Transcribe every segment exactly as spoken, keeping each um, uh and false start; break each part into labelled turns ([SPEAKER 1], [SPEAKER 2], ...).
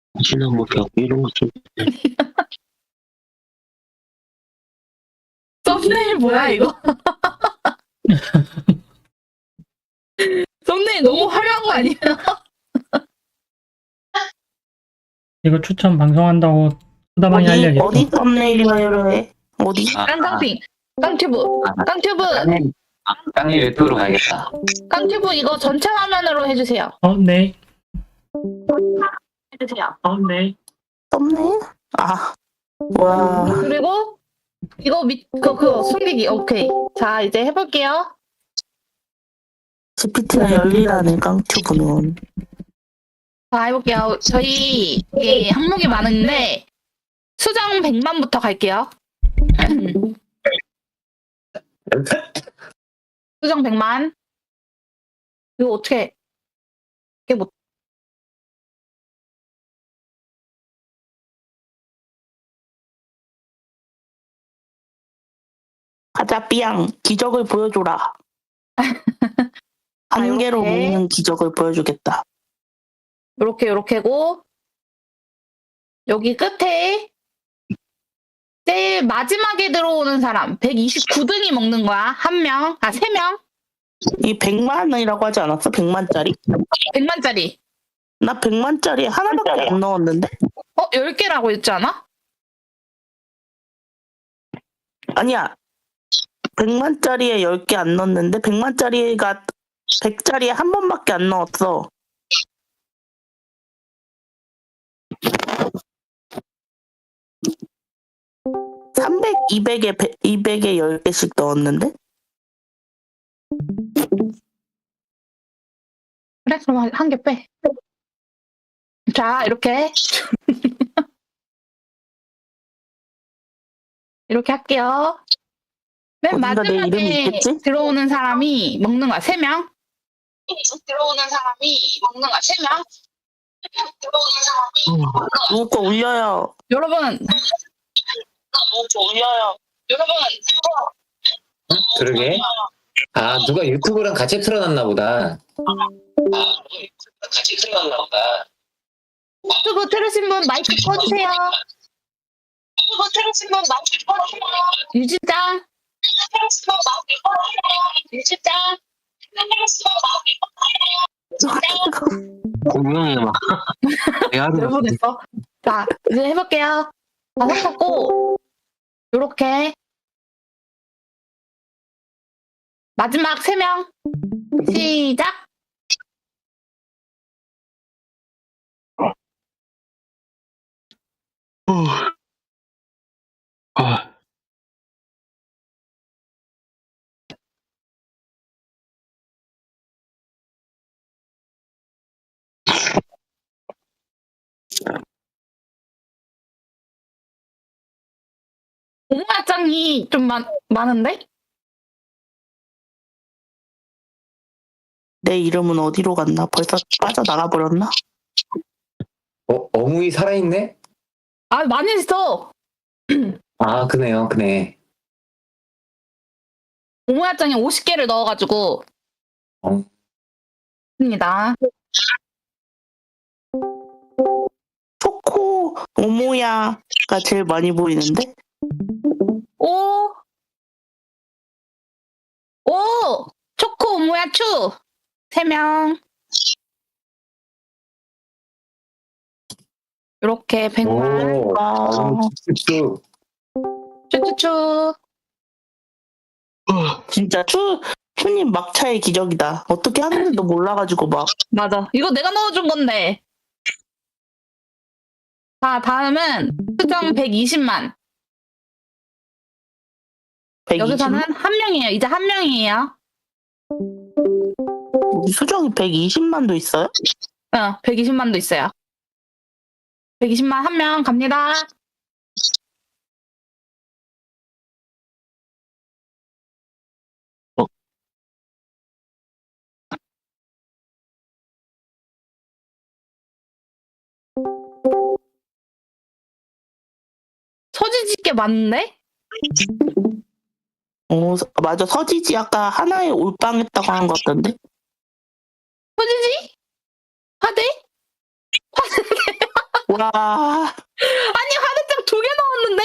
[SPEAKER 1] 지난 뭐 벽 이런 거 좀.
[SPEAKER 2] 썸네일 뭐야 이거? 썸네일 너무 화려한 거 아니야?
[SPEAKER 3] 이거 추천 방송한다고 수다방에
[SPEAKER 4] 어디
[SPEAKER 3] 알려야겠다.
[SPEAKER 4] 어디 썸네일이라 해? 어디?
[SPEAKER 1] 아,
[SPEAKER 2] 깡깡핑, 깡튜브,
[SPEAKER 1] 아,
[SPEAKER 2] 깡튜브,
[SPEAKER 1] 깡님, 아, 깡님 유튜브로 가야겠다.
[SPEAKER 2] 깡튜브 이거 전체 화면으로 해주세요.
[SPEAKER 3] 어, 네.
[SPEAKER 2] 해주세요.
[SPEAKER 3] 어, 네.
[SPEAKER 4] 썸네일? 아, 와.
[SPEAKER 2] 그리고 이거 밑, 그, 그거 숨기기. 오케이. 자 이제 해볼게요.
[SPEAKER 4] 지피티가 열리라네 깡튜브는.
[SPEAKER 2] 자 해볼게요. 저희 이게 항목이 많은데 수정 백만부터 갈게요. 수정 백만. 이거 어떻게? 이게 뭐?
[SPEAKER 4] 가자 삐양 기적을 보여줘라. 한 개로
[SPEAKER 2] 이렇게.
[SPEAKER 4] 먹는 기적을 보여주겠다.
[SPEAKER 2] 요렇게 요렇게고 여기 끝에 제일 마지막에 들어오는 사람 백이십구 등이 먹는 거야. 한 명, 아 세 명,
[SPEAKER 4] 이 백만이라고 하지 않았어? 백만짜리?
[SPEAKER 2] 백만짜리.
[SPEAKER 4] 나 백만짜리 하나밖에 안 넣었는데?
[SPEAKER 2] 어, 열 개라고 했지 않아?
[SPEAKER 4] 아니야. 백만짜리에 열 개 안 넣었는데 백만짜리가 백짜리에 한 번밖에 안 넣었어. 삼백, 이백에 이백에 열 개씩 넣었는데?
[SPEAKER 2] 그래, 그럼 한 개 빼. 자, 이렇게. 이렇게 할게요. 맨
[SPEAKER 4] 어딘가 내 이름이
[SPEAKER 2] 마지막에
[SPEAKER 4] 있겠지?
[SPEAKER 2] 들어오는 사람이 먹는 거야. 세 명. 들어오는 사람이 먹는 거야. 세 명. 들어오는 사람이 먹는 거야.
[SPEAKER 4] 누구 거 울려요.
[SPEAKER 2] 여러분,
[SPEAKER 4] 누구 거 울려요.
[SPEAKER 2] 여러분,
[SPEAKER 1] 그러게. 아, 누가 유튜브랑 같이 틀어놨나 보다. 아, 같이 틀어놨나 보다.
[SPEAKER 2] 유튜브 들으신 분 마이크 꺼주세요. 유튜브 들으신 분 마이크 꺼주세요. 유진장. 유진장.
[SPEAKER 1] 공룡이 막. 내가 하는 거.
[SPEAKER 2] 내보냈어. 자, 이제 해볼게요. 다 섞었고, 요렇게. 마지막 세 명. 시작.
[SPEAKER 1] 아,
[SPEAKER 2] 오마장이 좀 많, 많은데?
[SPEAKER 4] 내 이름은 어디로 갔나? 벌써 빠져나가 버렸나?
[SPEAKER 1] 어, 어묵이 살아있네?
[SPEAKER 2] 아, 많이 있어.
[SPEAKER 1] 아, 그네요, 그네.
[SPEAKER 2] 오모야장에 오십 개를 넣어가지고.
[SPEAKER 1] 어.
[SPEAKER 2] 입니다.
[SPEAKER 4] 초코 오모야가 제일 많이 보이는데?
[SPEAKER 2] 오! 오! 초코 오모야 추! 세 명. 요렇게 백만.
[SPEAKER 1] 오,
[SPEAKER 4] 아,
[SPEAKER 1] 쭉.
[SPEAKER 2] 추추추.
[SPEAKER 4] 진짜 추, 추님 막차의 기적이다. 어떻게 하는지도 몰라가지고 막.
[SPEAKER 2] 맞아. 이거 내가 넣어준 건데. 자, 다음은 수정 백이십만. 여기서는 한 명이에요. 이제 한 명이에요.
[SPEAKER 4] 수정이 백이십만도 있어요?
[SPEAKER 2] 어, 백이십만도 있어요. 백이십만 한 명 갑니다.
[SPEAKER 1] 어.
[SPEAKER 2] 서지집게 맞는데?
[SPEAKER 4] 어, 서- 맞아. 서지지 아까 하나에 올빵했다고 한 것 같던데?
[SPEAKER 2] 서지지? 화대?
[SPEAKER 4] 와,
[SPEAKER 2] 아니 화대장 두 개 넣었는데?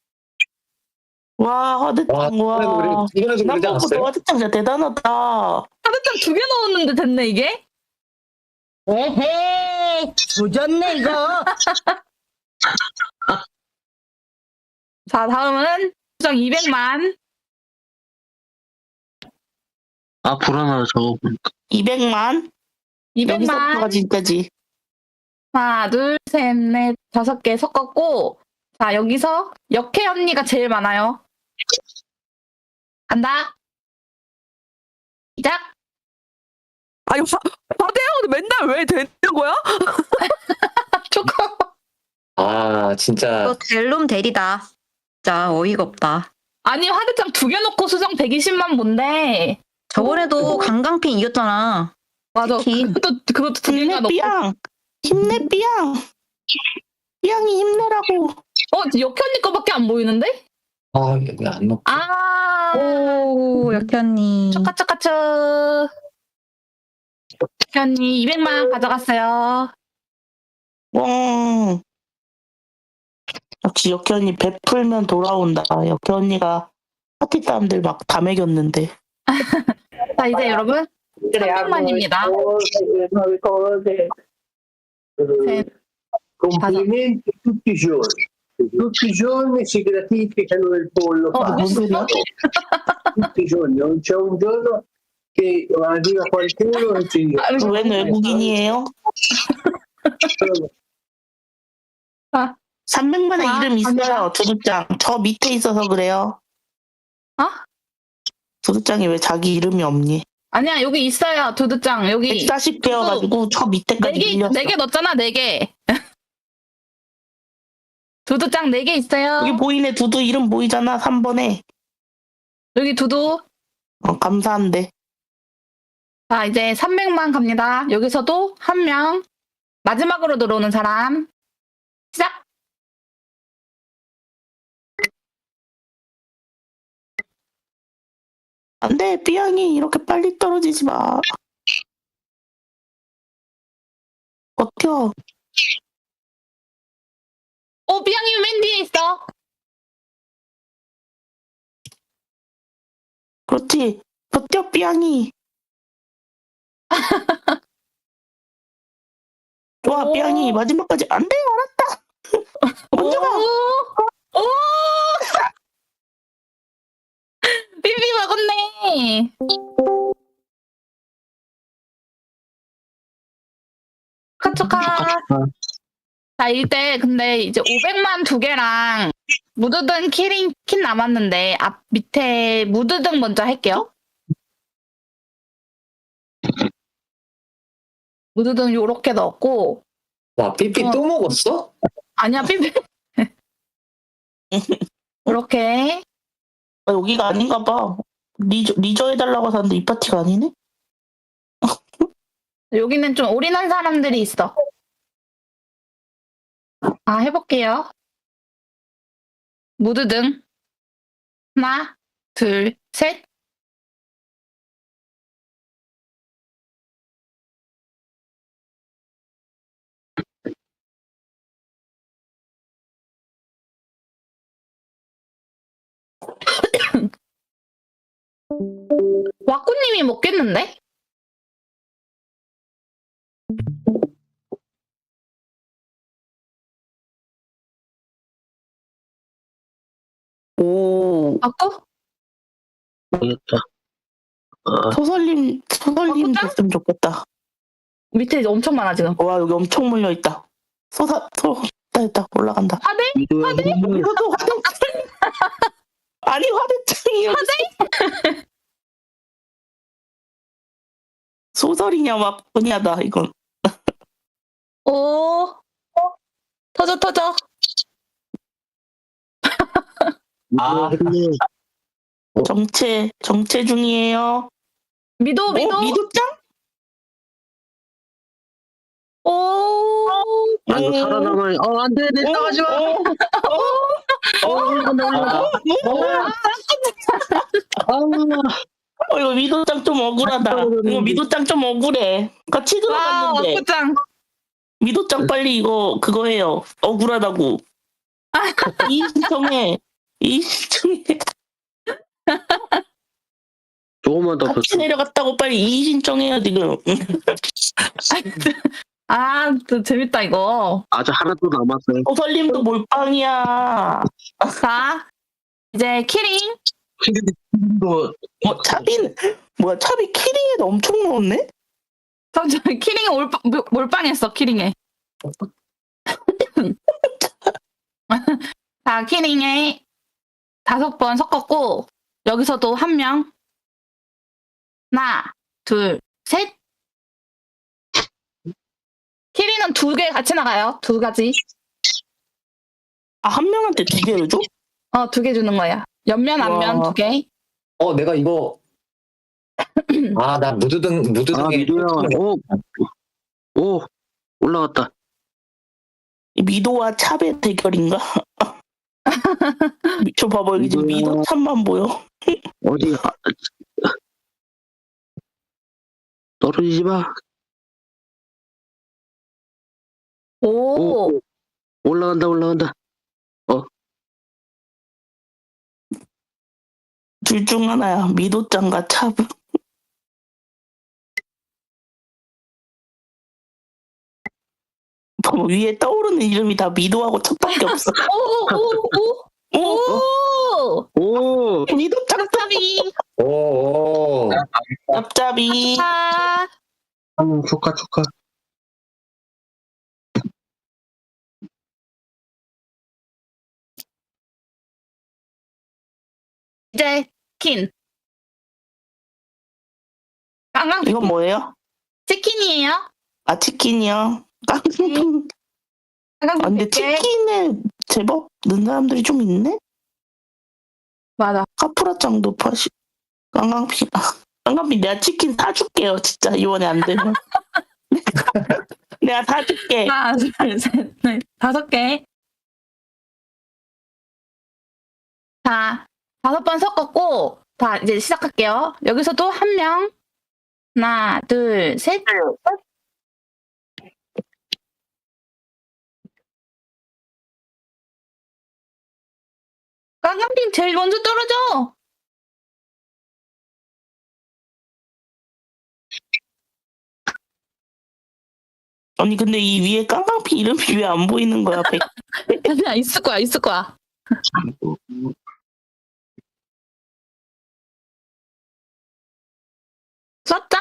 [SPEAKER 4] 와, 화대장,
[SPEAKER 1] 와,
[SPEAKER 4] 와.
[SPEAKER 1] 이번에도 그러지
[SPEAKER 4] 남보고
[SPEAKER 1] 않았어요?
[SPEAKER 4] 화대장 진짜 대단하다.
[SPEAKER 2] 화대장 두 개 넣었는데 됐네 이게?
[SPEAKER 5] 에헤이, 조졌네, 이거.
[SPEAKER 2] 자 다음은 수정 이백만.
[SPEAKER 6] 아, 불안하다, 저거 보니까.
[SPEAKER 4] 이백만?
[SPEAKER 2] 이백만.
[SPEAKER 4] 여기서부터가 진짜지.
[SPEAKER 2] 하나, 둘, 셋, 넷, 다섯 개 섞었고, 자, 여기서 역해 언니가 제일 많아요. 간다. 시작.
[SPEAKER 7] 아니, 화, 화대형은 맨날 왜 되는 거야?
[SPEAKER 2] 조금.
[SPEAKER 1] 아, 진짜.
[SPEAKER 8] 이거 델롬 대리다. 진짜 어이가 없다.
[SPEAKER 2] 아니, 화대장 두 개 놓고 수정 백이십만 뭔데.
[SPEAKER 8] 저번에도 강강핀 이겼잖아.
[SPEAKER 2] 맞아.
[SPEAKER 8] 치킨.
[SPEAKER 2] 그것도, 그것도 두 개가
[SPEAKER 4] 힘내,
[SPEAKER 2] 놓고.
[SPEAKER 4] 삐양. 힘내, 삐양. 삐양이 힘내라고.
[SPEAKER 2] 어, 역해 언니 거밖에 안 보이는데?
[SPEAKER 1] 아, 여기 안 넣고.
[SPEAKER 2] 아.
[SPEAKER 8] 오, 역희 언니.
[SPEAKER 2] 초카초카초. 역해 언니 이백만 가져갔어요.
[SPEAKER 4] 와. 역시 역희 언니 베풀면 돌아온다. 역희 언니가 파티 사람들 막 다 먹였는데.
[SPEAKER 2] 자, 이제 여러분. 삼백만입니다. 셋.
[SPEAKER 9] Complimenti tutti i giorni. Tutti i giorni si gratificano del pollo
[SPEAKER 2] Oh,
[SPEAKER 9] fatto. Tutti i giorni, non c'è un giorno che arriva qualcuno e ti dice
[SPEAKER 4] 웬 외국인이에요? 삼백만의
[SPEAKER 2] 아,
[SPEAKER 4] 이름 있어요.
[SPEAKER 2] 갑니다.
[SPEAKER 4] 두두짱. 저 밑에 있어서 그래요.
[SPEAKER 2] 어?
[SPEAKER 4] 두두짱이 왜 자기 이름이 없니?
[SPEAKER 2] 아니야, 여기 있어요. 두두짱. 여기.
[SPEAKER 4] 백사십 개여가지고 저 밑에까지
[SPEAKER 2] 네 개,
[SPEAKER 4] 밀렸어.
[SPEAKER 2] 네 개 넣었잖아, 네 개. 두두짱 네 개 있어요.
[SPEAKER 4] 여기 보이네. 두두 이름 보이잖아. 삼 번에.
[SPEAKER 2] 여기 두두.
[SPEAKER 4] 어, 감사한데.
[SPEAKER 2] 자, 이제 삼백만 갑니다. 여기서도 한 명. 마지막으로 들어오는 사람. 시작!
[SPEAKER 4] 안 돼. 삐양이 이렇게 빨리 떨어지지 마. 버텨.
[SPEAKER 2] 오, 비양이 맨 뒤에 있어.
[SPEAKER 4] 그렇지. 버텨, 삐양이. 좋아,
[SPEAKER 2] 오.
[SPEAKER 4] 삐양이. 마지막까지. 안 돼, 알았다. 먼저 가.
[SPEAKER 2] 오! 오! 삐삐 먹었네. 축하, 축하. 자, 이때 근데 이제 오백만 두 개랑 무드등 키링 킨 남았는데 앞 밑에 무드등 먼저 할게요. 무드등 요렇게 넣었고
[SPEAKER 1] 와, 삐삐
[SPEAKER 2] 어.
[SPEAKER 1] 또 먹었어?
[SPEAKER 2] 아니야 삐삐 이렇게
[SPEAKER 4] 아, 여기가 아닌가 봐. 리저, 리저 해달라고 하는데 이 파티가 아니네?
[SPEAKER 2] 여기는 좀 올인한 사람들이 있어. 아, 해볼게요. 무드등 하나, 둘, 셋. 와꾸님이 먹겠는데?
[SPEAKER 4] 오,
[SPEAKER 2] 와꾸?
[SPEAKER 6] 모르겠다. 아,
[SPEAKER 4] 소설님, 소설님
[SPEAKER 2] 어,
[SPEAKER 4] 됐으면 좋겠다.
[SPEAKER 2] 밑에 엄청 많아 지금.
[SPEAKER 4] 와, 여기 엄청 몰려있다. 소사, 소, 됐다, 됐다. 올라간다.
[SPEAKER 2] 화대?
[SPEAKER 6] 이거야, 이거야.
[SPEAKER 4] 이것도 화대창. 아니, 화대창이 화대? 소설이냐, 막분야다 이건.
[SPEAKER 2] 오, 터져 터져.
[SPEAKER 6] 아,
[SPEAKER 4] 정체, 정체 중이에요.
[SPEAKER 2] 미도 미도.
[SPEAKER 4] 어, 미도짱?
[SPEAKER 2] 오.
[SPEAKER 6] 아, 이거 살아남아. 어, 안 돼, 내 따가지 마.
[SPEAKER 4] 어, 어, 어, 어, 이거 미도짱 좀 억울하다. 이거 미도짱 좀 억울해. 같이
[SPEAKER 2] 와,
[SPEAKER 4] 들어갔는데.
[SPEAKER 2] 와꾸짱.
[SPEAKER 4] 미도짱 빨리 이거 그거 해요. 억울하다고. 이신청해. 이신청해.
[SPEAKER 6] 조금만 더
[SPEAKER 4] 같이
[SPEAKER 6] 더.
[SPEAKER 4] 내려갔다고 빨리 이신청해요 지금.
[SPEAKER 2] 아, 또 재밌다, 이거.
[SPEAKER 6] 아직 하나도 남았어요.
[SPEAKER 4] 어설림도 몰빵이야.
[SPEAKER 2] 자, 이제 키링.
[SPEAKER 6] 근데 뭐
[SPEAKER 4] 뭐 차비는 뭐야 차비 키링에도 엄청 넣었네?
[SPEAKER 2] 저, 저 키링에 올빵, 몰빵했어, 키링에. 자, 키링에 다섯 번 섞었고, 여기서도 한 명. 하나, 둘, 셋. 키링은 두 개 같이 나가요. 두 가지.
[SPEAKER 4] 아 한 명한테 두 개를 줘?
[SPEAKER 2] 어, 두 개 주는 거야. 옆면, 앞면
[SPEAKER 4] 와.
[SPEAKER 2] 두 개.
[SPEAKER 1] 어, 내가 이거. 아, 나 무드등,
[SPEAKER 6] 아
[SPEAKER 1] 무드등에.
[SPEAKER 6] 미도야. 오. 오 올라갔다.
[SPEAKER 4] 이 미도와 찹의 대결인가? 저 봐봐 여기 지금
[SPEAKER 6] 미도야.
[SPEAKER 4] 미도 찹만 보여.
[SPEAKER 6] 어디 아, 떨어지지 마.
[SPEAKER 2] 오,
[SPEAKER 6] 오. 올라간다 올라간다.
[SPEAKER 4] 둘 중 하나야. 미도짱과 찹. 봐봐 위에 떠오르는 이름이 다 미도하고 찹밖에 없어.
[SPEAKER 2] 오, 오, 오,
[SPEAKER 4] 오!
[SPEAKER 2] 오.
[SPEAKER 6] 오.
[SPEAKER 4] 미도짱
[SPEAKER 2] 짭짭이.
[SPEAKER 1] 오, 오.
[SPEAKER 4] 짭짭이.
[SPEAKER 2] 아,
[SPEAKER 6] 음, 축하 축하.
[SPEAKER 2] 이제 킨. 깡깡
[SPEAKER 4] 이건 뭐예요?
[SPEAKER 2] 치킨이에요.
[SPEAKER 4] 아 치킨이요. 깡통.
[SPEAKER 2] 깡깡
[SPEAKER 4] 아, 근데
[SPEAKER 2] 칠게.
[SPEAKER 4] 치킨에 제법 넣는 사람들이 좀 있네?
[SPEAKER 2] 맞아.
[SPEAKER 4] 카프라짱도 파시. 깡깡피. 깡깡피 내가 치킨 사줄게요. 진짜 이번에 안 되면. 내가 사줄게.
[SPEAKER 2] 하나, 둘, 셋, 넷, 다섯 개. 자, 다섯 번 섞었고, 자, 이제 시작할게요. 여기서도 한 명. 하나, 둘, 셋. 깡깡핑 제일 먼저 떨어져.
[SPEAKER 4] 아니 근데 이 위에 깡깡피 이름이 왜 안 보이는 거야? 백.
[SPEAKER 2] 아니야, 있을 거야, 있을 거야. 썼자?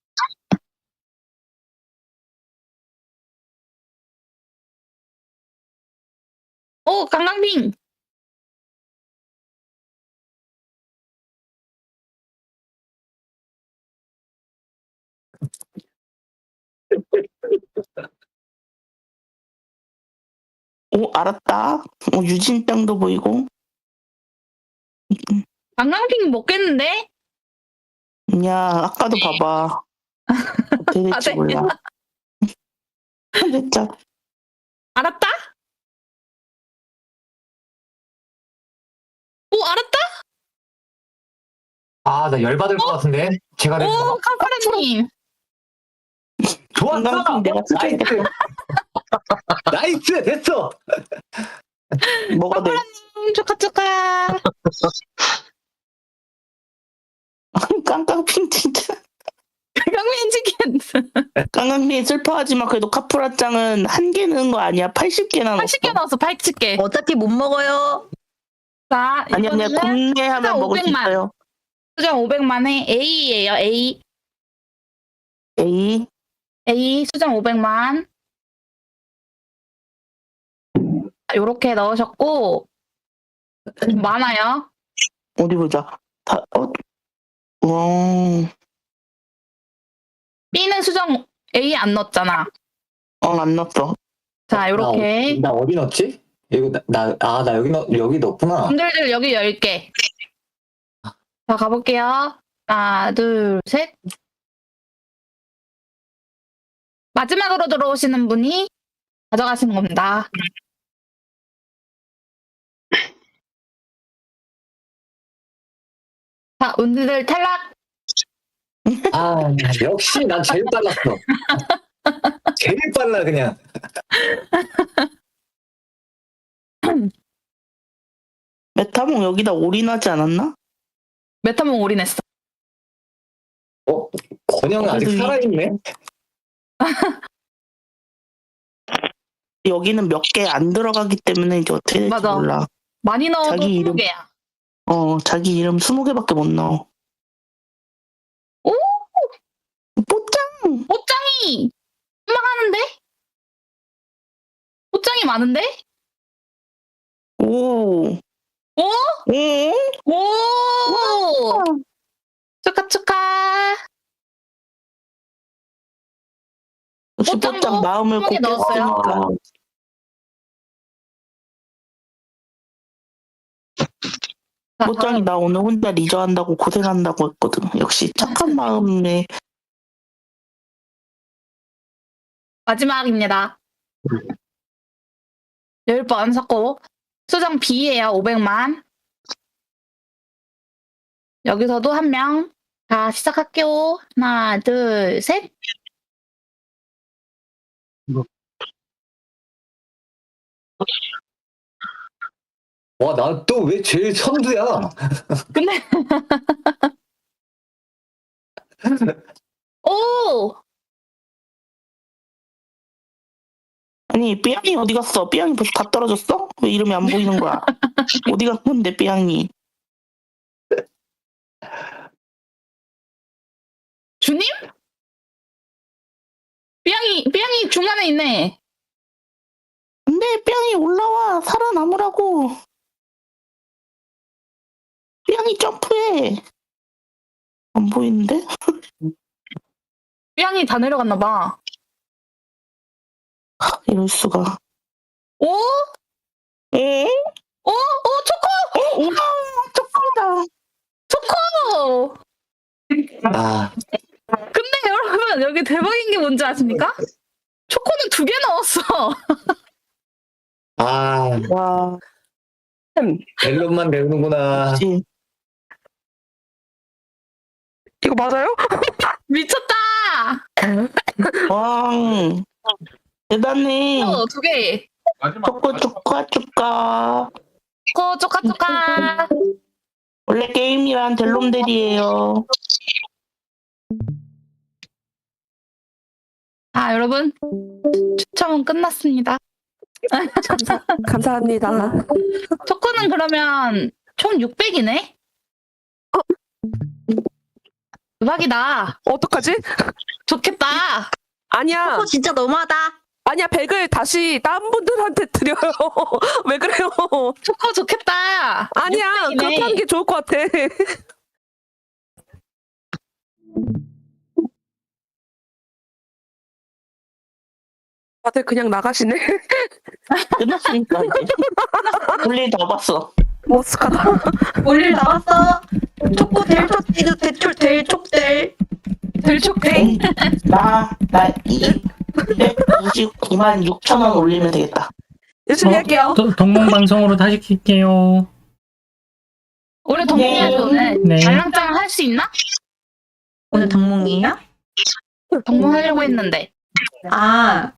[SPEAKER 2] 오, 깡깡핑.
[SPEAKER 4] 오 알았다. 어, 유진짱도 보이고.
[SPEAKER 2] 깡깡핑 먹겠는데?
[SPEAKER 4] 야 아까도 봐봐. 어떻게 될지
[SPEAKER 2] 아, 네.
[SPEAKER 4] 몰라. 진짜
[SPEAKER 2] 알았다? 오, 알았다?
[SPEAKER 1] 아, 나 열받을 것 같은데. 제가 된
[SPEAKER 2] 오, 카파라님.
[SPEAKER 1] 좋았어.
[SPEAKER 4] 깡깡피 내가
[SPEAKER 1] 나이스.
[SPEAKER 4] 사줄게.
[SPEAKER 1] 나이스. 됐어.
[SPEAKER 4] 뭐가 돼?
[SPEAKER 2] 음, 축하, 축하.
[SPEAKER 4] 깡깡피 진짜.
[SPEAKER 2] 깡깡핑 치킨.
[SPEAKER 4] 깡깡피 슬퍼하지만 그래도 카프라짱은 한 개 넣은 거 아니야? 팔십 개나 넣었어.
[SPEAKER 2] 팔십 개 넣었어, 팔십 개.
[SPEAKER 8] 어차피 못 먹어요.
[SPEAKER 2] 자,
[SPEAKER 4] 아니 아니야
[SPEAKER 2] 이거는
[SPEAKER 4] 공개하면 먹을 수
[SPEAKER 2] 오백만.
[SPEAKER 4] 있어요.
[SPEAKER 2] 수정 오백만에 A예요, A.
[SPEAKER 4] 에이
[SPEAKER 2] A 수정 오백만. 요렇게 넣으셨고, 많아요.
[SPEAKER 4] 어디 보자. 다 어. 와.
[SPEAKER 2] B는 수정 A 안 넣었잖아.
[SPEAKER 4] 어안 넣었어.
[SPEAKER 2] 자, 요렇게.
[SPEAKER 1] 나, 어- 나 어디 넣었지? 이거 나, 나, 아, 나 여기 넣, 여기 넣었구나.
[SPEAKER 2] 분들들 여기 열 개. 자, 가볼게요. 하나, 둘, 셋. 마지막으로 들어오시는 분이 가져가시는 겁니다. 자, 운들 탈락.
[SPEAKER 1] 아, 역시 난 제일 빨랐어. 제일 빨라 그냥.
[SPEAKER 4] 메타몽 여기다 올인하지 않았나?
[SPEAKER 2] 메타몽 올인했어.
[SPEAKER 1] 어? 권영 아직
[SPEAKER 4] 그래도 이-
[SPEAKER 1] 살아있네?
[SPEAKER 4] 여기는 몇 개 안 들어가기 때문에 이제 어떻게 될지
[SPEAKER 2] 맞아.
[SPEAKER 4] 몰라.
[SPEAKER 2] 많이 넣어도
[SPEAKER 4] 자기
[SPEAKER 2] 스무
[SPEAKER 4] 이름.
[SPEAKER 2] 개야.
[SPEAKER 4] 어, 자기 이름 스무 개밖에 못 넣어.
[SPEAKER 2] 오!
[SPEAKER 4] 뽀짱!
[SPEAKER 2] 옷장이 한방하는데? 옷장이 많은데?
[SPEAKER 4] 오.
[SPEAKER 2] 오?
[SPEAKER 4] 오?
[SPEAKER 2] 오! 축하 축하.
[SPEAKER 4] 역시
[SPEAKER 2] 뽀짱도
[SPEAKER 4] 뽀짱 마음을
[SPEAKER 2] 스무 개
[SPEAKER 4] 곱게
[SPEAKER 2] 넣었어요.
[SPEAKER 4] 쓰니까.
[SPEAKER 2] 자,
[SPEAKER 4] 뽀짱이
[SPEAKER 2] 다음.
[SPEAKER 4] 나 오늘 혼자 리저 한다고 고생한다고 했거든. 역시 착한 마음에
[SPEAKER 2] 마지막입니다. 열 번 섞고 수정 B예요. 오백만. 여기서도 한 명. 자, 시작할게요. 하나, 둘, 셋.
[SPEAKER 1] 와, 나 또 왜 제일 선두야?
[SPEAKER 2] 근데 오!
[SPEAKER 4] 아니 삐양이 어디 갔어? 삐양이 벌써 다 떨어졌어? 왜 이름이 안 보이는 거야? 어디 간 건데 삐양이?
[SPEAKER 2] 주님? 삐양이, 삐양이 중간에 있네.
[SPEAKER 4] 근데 삐양이 올라와 살아남으라고. 삐양이 점프해. 안 보이는데?
[SPEAKER 2] 삐양이 다 내려갔나 봐.
[SPEAKER 4] 이럴 수가.
[SPEAKER 2] 오?
[SPEAKER 4] 에?
[SPEAKER 2] 오? 오, 초코!
[SPEAKER 4] 어? 우와 점프다.
[SPEAKER 2] 초코!
[SPEAKER 1] 아,
[SPEAKER 2] 근데 여러분, 여기 대박인 게 뭔지 아십니까? 초코는 두 개 넣었어.
[SPEAKER 1] 아,
[SPEAKER 4] 와,
[SPEAKER 1] 멜론만 배우는구나.
[SPEAKER 4] 그치.
[SPEAKER 7] 이거 맞아요?
[SPEAKER 2] 미쳤다!
[SPEAKER 4] 왕. 대단해.
[SPEAKER 2] 어, 두 개.
[SPEAKER 4] 초코 축하 축하.
[SPEAKER 2] 초코, 초카, 초카.
[SPEAKER 4] 원래 게임이란 델롬델이에요.
[SPEAKER 2] 아, 여러분. 추첨은 끝났습니다.
[SPEAKER 7] 감사, 감사합니다.
[SPEAKER 2] 초코는 그러면 총 육백이네? 대박이다.
[SPEAKER 7] 어떡하지?
[SPEAKER 2] 좋겠다.
[SPEAKER 7] 아니야.
[SPEAKER 8] 어, 진짜 너무하다.
[SPEAKER 7] 아니야, 백을 다시 다른 분들한테 드려요. 왜 그래요?
[SPEAKER 2] 초코 좋겠다.
[SPEAKER 7] 아니야,
[SPEAKER 2] 육백이네.
[SPEAKER 7] 그렇게 하는 게 좋을 것 같아. 다들 그냥 나가시네.
[SPEAKER 4] 끝났으니까 이제. 볼일 다 봤어.
[SPEAKER 7] 머쓱하다.
[SPEAKER 8] 올릴 나왔어. 초코 델초띠드 대출 델촉델.
[SPEAKER 2] 들촉대.
[SPEAKER 4] 나, 나 이백구십구만 육천 원 올리면 되겠다.
[SPEAKER 7] 열심히
[SPEAKER 3] 어?
[SPEAKER 7] 할게요.
[SPEAKER 3] 또 동몽방송으로 다시 킬게요.
[SPEAKER 2] 우리 동문이야지 오늘.
[SPEAKER 3] 네.
[SPEAKER 2] 알랑짱 할 수 있나?
[SPEAKER 8] 오늘 동몽이에요?
[SPEAKER 2] 동문 하려고 했는데.
[SPEAKER 8] 아,